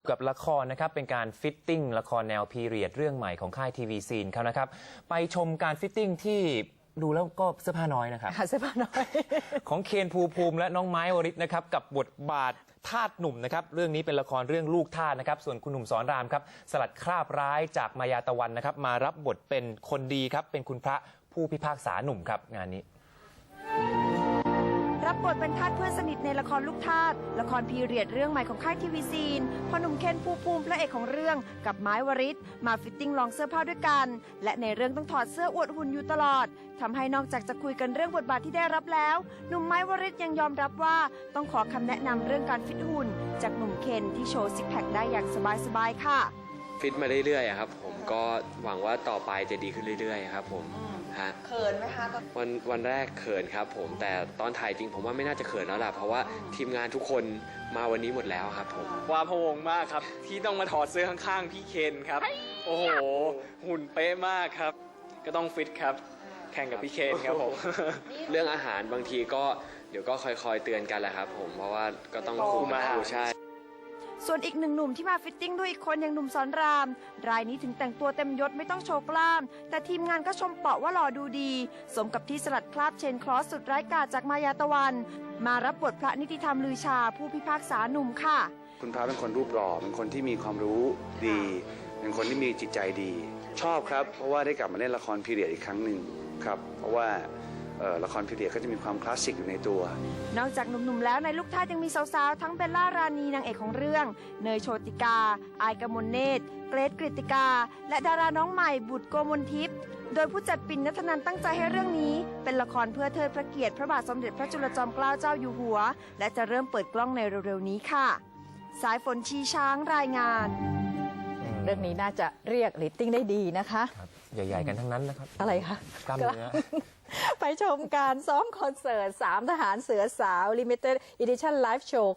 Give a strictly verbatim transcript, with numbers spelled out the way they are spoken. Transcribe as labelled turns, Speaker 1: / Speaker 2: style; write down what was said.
Speaker 1: กับละครนะครับเป็นการฟิตติ้งละครแนวพีเรียดเรื่องใหม่ของค่ายทีวีซีนเขานะครับไปชมการฟิตติ้งที่ดูแล้วก็เสื้อผ้าน้อยนะครับ
Speaker 2: เสื้อผ้าน้อย
Speaker 1: ของเคนภูมิภูมิและน้องไม้วริศนะครับกับบทบาททาสหนุ่มนะครับเรื่องนี้เป็นละครเรื่องลูกทาสนะครับส่วนคุณหนุ่มสอนรามครับสลัดคราบร้ายจากมายาตะวันนะครับมารับบทเป็นคนดีครับเป็นคุณพระผู้พิพากษาหนุ่มครับงานนี้
Speaker 3: รับบทเป็นทาสเพื่อนสนิทในละครลูกทาสละครพีเรียดเรื่องใหม่ของค่ายทีวีซีนพอหนุ่มเคนภูมิภูมิพระเอกของเรื่องกับไม้วริศมาฟิตติ้งลองเสื้อผ้าด้วยกันและในเรื่องต้องถอดเสื้ออวดหุ่นอยู่ตลอดทำให้นอกจากจะคุยกันเรื่องบทบาทที่ได้รับแล้วหนุ่มไม้วริศยังยอมรับว่าต้องขอคำแนะนำเรื่องการฟิตหุ่นจากหนุ่มเคนที่โชว์ซิกแพคได้อย่างสบายๆค่ะ
Speaker 4: ฟิตมาเรื่อยๆครับผมก็หวังว่าต่อไปจะดีขึ้นเรื่อยๆครับผมฮะ
Speaker 5: เขินไหมคะ
Speaker 4: วันวันแรกเขินครับผมแต่ตอนถ่ายจริงผมว่าไม่น่าจะเขินแล้วล่ะเพราะว่าทีมงานทุกคนมาวันนี้หมดแล้วครับผม
Speaker 6: ว่าพะวงมากครับที่ต้องมาถอดเสื้อข้างๆพี่เคนครับโอ้โหหุ่นเป๊ะมากครับก็ต้องฟิตครับแข่งกับพี่เคนครับผม
Speaker 4: เรื่องอาหารบางทีก็เดี๋ยวก็คอยๆเตือนกันแหละครับผมเพราะว่าก็ต้องคุมมาใช่
Speaker 3: ส่วนอีกหนึ่งหนุ่มที่มาฟิตติ้งด้วยอีกคนอย่างหนุ่มสอนรามรายนี้ถึงแต่งตัวเต็มยศไม่ต้องโชว์กล้ามแต่ทีมงานก็ชมเปาะว่าหล่อดูดีสมกับที่สลัดคราบเชนคลอสสุดร้ายกาจจากมายาตะวันมารับบทพระนิติธรรมลือชาผู้พิพากษาหนุ่มค่ะ
Speaker 7: คุณพระเป็นคนรูปหล่อเป็นคนที่มีความรู้ดีเป็นคนที่มีจิตใจดี ชอบครับเพราะว่าได้กลับมาเล่นละครพีเรียดอีกครั้งหนึ่งครับเพราะว่าละครพีเรียดก็จะมีความคลาสสิกอยู่ในตัวน
Speaker 3: อกจากหนุ่มๆแล้วในลูกท่ายังมีสาวๆทั้งเบลล่ารานีนางเอกของเรื่องเนยโชติกาอายกมลเนตรเกรซกฤติกาและดาราน้องใหม่บุตรโกมลทิพย์โดยผู้จัดปิ่นณัฐนันท์ตั้งใจให้เรื่องนี้เป็นละครเพื่อเทิดพระเกียรติพระบาทสมเด็จพระจุลจอมเกล้าเจ้าอยู่หัวและจะเริ่มเปิดกล้องในเร็วๆนี้ค่ะสายฝนชีช้างรายงาน
Speaker 2: เรื่องนี้น่าจะเรียกเรตติ้งได้ดีนะคะ
Speaker 1: ใหญ่ๆกันทั้งนั้นนะครับ
Speaker 2: อะไรคะ
Speaker 1: กล้ามเนื้อ
Speaker 2: ไปชมการซ้อมคอนเสิร์ตสามทหารเสือสาว Limited Edition Live Show